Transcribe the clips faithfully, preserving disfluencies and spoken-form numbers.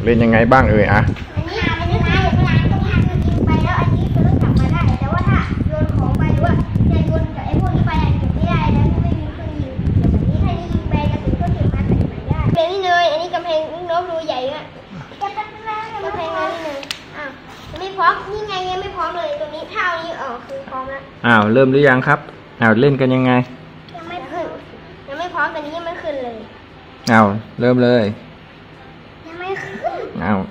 เป็นยังไงบ้างเอ่ยอะอันนี้อันนี้นะเวลาต้องทำยิงไปแล้วอันนี้คือต้องกลับมาได้แต่ว่าถ้าโยนของไปหรือว่าจะโยนกับไอ้พวกนี้ไปเก็บไม่ได้แล้วไม่มีเครื่องยิงแบบนี้ถ้ายิงไปกระสุนก็เก็บมาใส่ใหม่ได้เป็นนี่เลยอันนี้กำแพงลูกน้องรูใหญ่อะกำแพงกำแพงนี่เลยอ้าวไม่พร้อมนี่ไงยังไม่พร้อมเลยตรงนี้เท่านี้ออกคือพร้อมแล้วอ้าวเริ่มหรือยังครับอ้าวเล่นกันยังไงยังไม่ขึ้นยังไม่พร้อมแต่นี้ยังไม่ขึ้นเลยอ้าวเริ่มเลยยังไม่ขึ้นอ้าว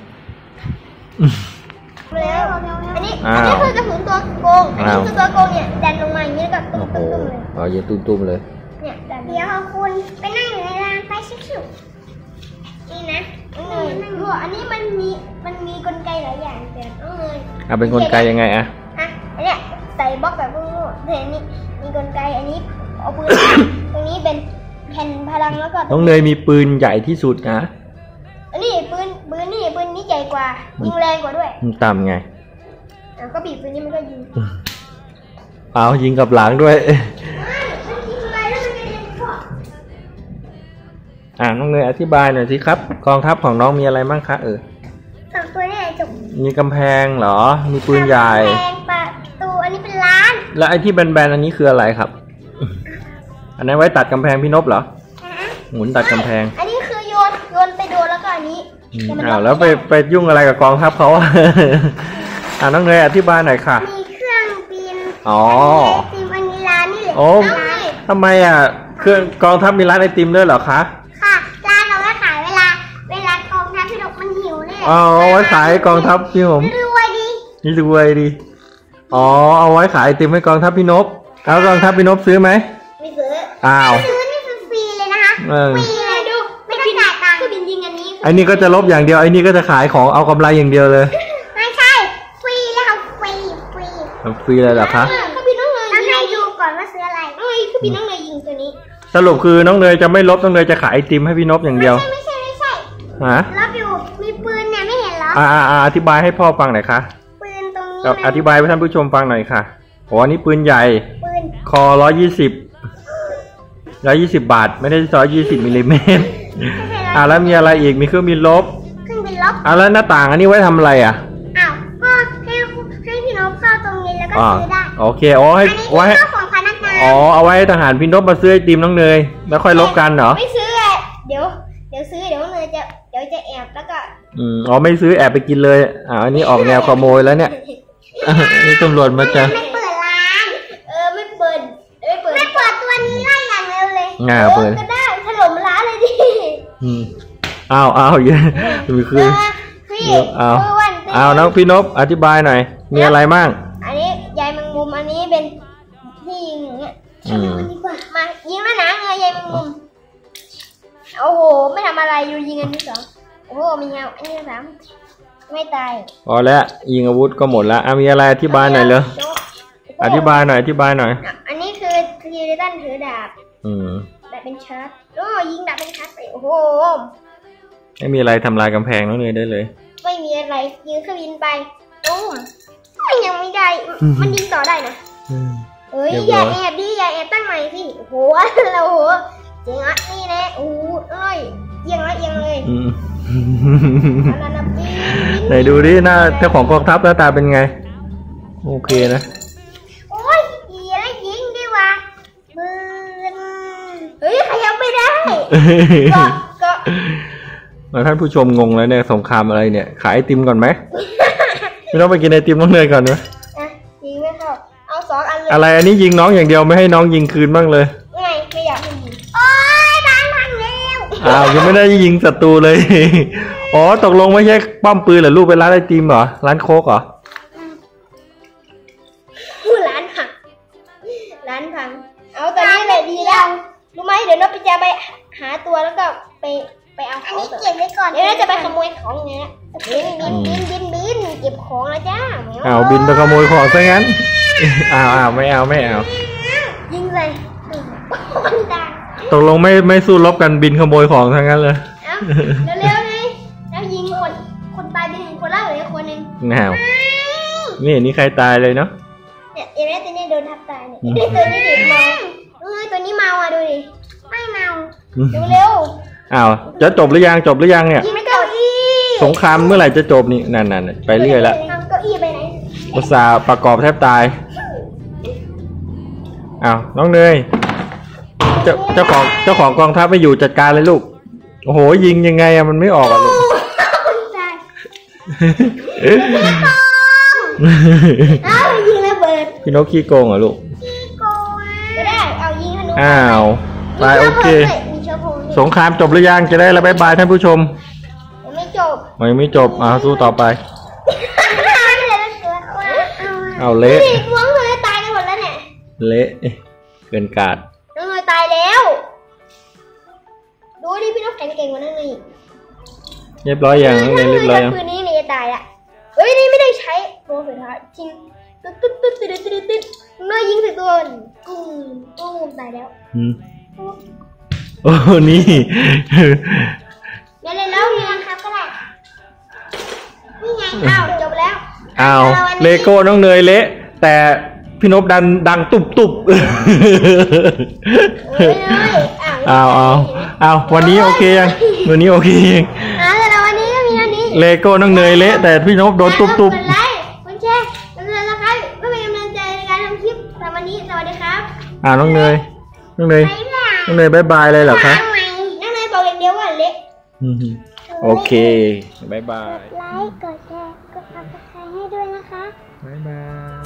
แล้วอันนี้อันนี้คือกระสุนตัวโกงอันนี้คือตัวโกงเนี่ยดันลงมาอย่างนี้ก็ตุ้มตุ้มตุ้มเลยอ๋ออย่าตุ้มตุ้มเลยเนี่ยเดี๋ยวคุณไปนั่งอยู่ในรางไฟชิวๆนี่นะนี่หัวอันนี้มันมีมันมีกลไกหลายอย่างแต่ต้องเลยอ่ะเป็นกลไกยังไงอะอ่ะอันเนี้ยใส่บล็อกแบบพวกนี้เห็นนี่มีกลไกอันนี้เอาปืนตรงนี้เป็นแผ่นพลังแล้วก็น้องเนยมีปืนใหญ่ที่สุดนะอันนี้ปืนปืนนี่ปืนนี้ใหญ่กว่ายิงแรงกว่าด้วยมันต่ำไงแล้วก็บีบปืนนี้มันก็ยิงเอายิงกับหลังด้วยอ่าน้องเนยอธิบายหน่อยสิครับกองทัพของน้องมีอะไรบ้างคะเออสองตัวนี่จบมีกำแพงเหรอมีปืนใหญ่กำแพงประตูอันนี้เป็นร้านแล้วไอ้ที่แบนๆอันนี้คืออะไรครับอันนั้นไว้ตัดกำแพงพี่นพเหรอหมุนตัดกำแพงอันนี้คือโยนโยนไปโดนแล้วก็อันนี้อ้าวแล้วไปไปยุ่งอะไรกับกองทัพเขาอ่าน้องเนยอธิบายหน่อยค่ะมีเครื่องบินอ๋อไอติมอันนี้ร้านนี่แหละโอ้ทำไมอ่ะเครื่องกองทัพมีร้านไอติมด้วยเหรอคะค่ะร้านเราไว้ขายเวลาเวลากองทัพพี่นกมันหิวนี่แหละอ๋อไว้ขายกองทัพพี่ผมรวยดีนี่รวยดีอ๋อเอาไว้ขายไอติมให้กองทัพพี่นพแล้วกองทัพพี่นพซื้อไหมไม่ซื้ออ้าวซื้อนี่คือฟรีเลยนะคะฟรีเลยดูไม่ต้องจ่ายตังค์คือบินยิงอันนี้ไอ้นี่ก็จะลบอย่างเดียวไอ้นี่ก็จะขายของเอากำไรอย่างเดียวเลยไม่ใช่ฟรีแล้วค่ะฟรีฟรีฟรีเลยเหรอคะคือบินน้องเนยต้องให้ดูก่อนว่าซื้ออะไรเอ้ยคือบินน้องเนยยิงตัวนี้สรุปคือน้องเนยจะไม่ลบน้องเนยจะขายไอติมให้พี่นพอย่างเดียวไม่ใช่ไม่ใช่ฮะลบอยู่มีปืนเนี่ยไม่เห็นเหรออ่าอ่าอธิบายให้พ่อฟังหน่อยค่ะปืนตรงนี้อธิบายให้ท่านผู้ชมฟังหน่อยค่ะโอ้อันนี้ปืนใหญ่ปืนคอร้อยยี่สิบร้อยยี่สิบบาทไม่ได้ร้อยยี่สิบมิลลิเมตรอ่าแล้วมีอะไรอีกมีเครื่องบินลบเครื่องบินลบอ่าแล้วหน้าต่างอันนี้ไว้ทำอะไรอ่ะอ้าวก็ให้ให้พี่นพเข้าตรงนี้แล้วก็ซื้อได้โอเคอ๋อให้ไว้อ๋อเอาไว้ทหารพี่นพมาซื้อไอติมน้องเนยแล้วค่อยลบกันเหรอไม่ซื้อเดี๋ยวเดี๋ยวซื้อเดี๋ยวเนยจะเดี๋ยวจะแอบแล้วก็อืมอ๋อไม่ซื้อแอบไปกินเลยอ่าอันนี้ออกแนวขโมยแล้วเนี่ยนี่ตำรวจมาจะไม่เปิดร้านเออไม่เปิดไม่เปิดไม่เปิดตัวนี้ไล่อย่างเร็วเลยง่าเปิดก็ได้ถล่มร้านเลยดิอืมอ้าวอ้าวเยอะมีคืออ้าวอ้าวน้องพี่นพอธิบายหน่อยมีอะไรบ้างอันนี้ใยแมงมุมอันนี้เป็นที่ยิงอย่างเงี้ยมายิงแล้วนะเงยใยแมงมุมโอ้โหไม่ทำอะไรอยู่ยิงอันที่สองโอ้โหมีเงาอันที่สามไม่ตายพอแล้วยิงอาวุธก็หมดแล้วอ่ะมีอะไรอธิบายหน่อยเลยอธิบายหน่อยอธิบายหน่อยอันนี้คือคือเรตันถือดาบอืมดาบเป็นชาร์จโอ้ยิงดาบเป็นชาร์จไปโอ้โหไม่มีอะไรทำลายกำแพงน้องเนยได้เลยไม่มีอะไรยิงเครื่องบินไปตุ้มยังไม่ได้มันยิงต่อได้นะเอ้ยอย่าแอบดิอย่าแอบตั้งใหม่สิโอ้โหเราโหเจ๋งอ่ะนี่แน่โอ้เอ้ยเอียงละเอียงเลยไหนดูดิหน้าเจ้าของกองทัพหน้าตาเป็นไงโอเคนะโอ้ยอย่ายิงดิวะปืนเฮ้ยขยับไม่ได้ก็ก็แล้วท่านผู้ชมงงแล้วเนี่ยสงครามอะไรเนี่ยขายไอติมก่อนไหมไม่ต้องไปกินไอติมน้องเนยก่อนไหมยิงไม่เข้าเอาสองอันเลยอะไรอันนี้ยิงน้องอย่างเดียวไม่ให้น้องยิงคืนบ้างเลยไงไม่อยากให้ยิงโอ้ยบ้านพังแล้วอ้าวยังไม่ได้ยิงศัตรูเลยอ๋อตกลงไม่ใช่ป้อมปืนเหรอลูกเป็นร้านไอติมเหรอร้านโค้กเหรอร้านพังร้านพังเอาตอนนี้เลยดีแล้วรู้ไหมเดี๋ยวนกจะไปหาตัวแล้วก็ไปไปเอาของเก็บไว้ก่อนเดี๋ยวเราจะไปขโมยของเนี้ยบินบินบินบินบินเก็บของแล้วจ้าอ้าวบินไปขโมยของซะงั้นอ้าวอ้าวไม่เอาไม่เอายิงเลยตกลงไม่ไม่สู้รบกันบินขโมยของซะงั้นเลยเร็วๆเลยแล้วยิงคนคนตายไปหนึ่งคนแล้วเหลือคนหนึ่งแนวนี่นี่ใครตายเลยเนาะเนี่ยเอเมตัวนี้โดนทับตายเนี่ยตัวนี้เด็กเมาเอ้ยตัวนี้เมาอ่ะดูดิไม่เมาเร็วอ้าวจะจบหรือยังจบหรือยังเนี่ยยิงไม่เก้าอี้สงครามเมื่อไหร่จะจบนี่นั่นๆไปเรื่อยแล้วเอาเก้าอี้ไปไหนอุตส่าห์ประกอบแทบตายอ้าวน้องเนยเจ้าเจ้าของเจ้าของกองทัพไปอยู่จัดการเลยลูกโอ้โหยิงยังไงอะมันไม่ออกอะลูกเอายิงระเบิดพี่นกขี้โกงเหรอลูกขี้โกงก็ได้เอายิงธนูอ้าวไปโอเคสงครามจบหรือยังจะได้แล้วบายบายท่านผู้ชมยังไม่จบยังไม่จบอ่าสู้ต่อไปเอาเละน้องเลยตายกันหมดแล้วเนี่ยเละเกินกาดน้องเลยตายแล้วดูดิพี่นกแข็งเก่งกว่านั่นนี่เรียบร้อยยังน้องเนยเรียบร้อยยังปืนนี้นี่จะตายอ่ะเฮ้ยนี่ไม่ได้ใช้โปรสุดท้ายจริงตึ๊ดตึ๊ดตึ๊ดตึ๊ดตึ๊ดตึ๊ดเมื่อยิงใส่ตัวกุ้งกุ้งตายแล้วอืมโอ้นี่เดี๋ยวเลยแล้วมีรังครับก็ได้นี่ไงอ้าวจบแล้วอ้าวเลโก้น้องเนยเละแต่พี่นพดันดังตุบตุบเอ้ยเลยอ้าวอ้าวอ้าวอ้าววันนี้โอเคยังวันนี้โอเคยังอ่าแต่ละวันนี้ก็มีเท่านี้เลโก้น้องเนยเละแต่พี่นพโดนตุบตุบกดไลค์กดแชร์กดติดตามนะครับเพื่อเป็นกำลังใจในการทำคลิปสำหรับวันนี้สวัสดีครับอ่าน้องเนยน้องเนยบ๊ายบายน้องเนยบายบายเลยเหรอคะทำไมนั่งเลยบอกอย่างเดียวว่าเละอืมโอเคบายบายไลค์กดแชร์กดซับสไครต์ให้ด้วยนะคะบายบาย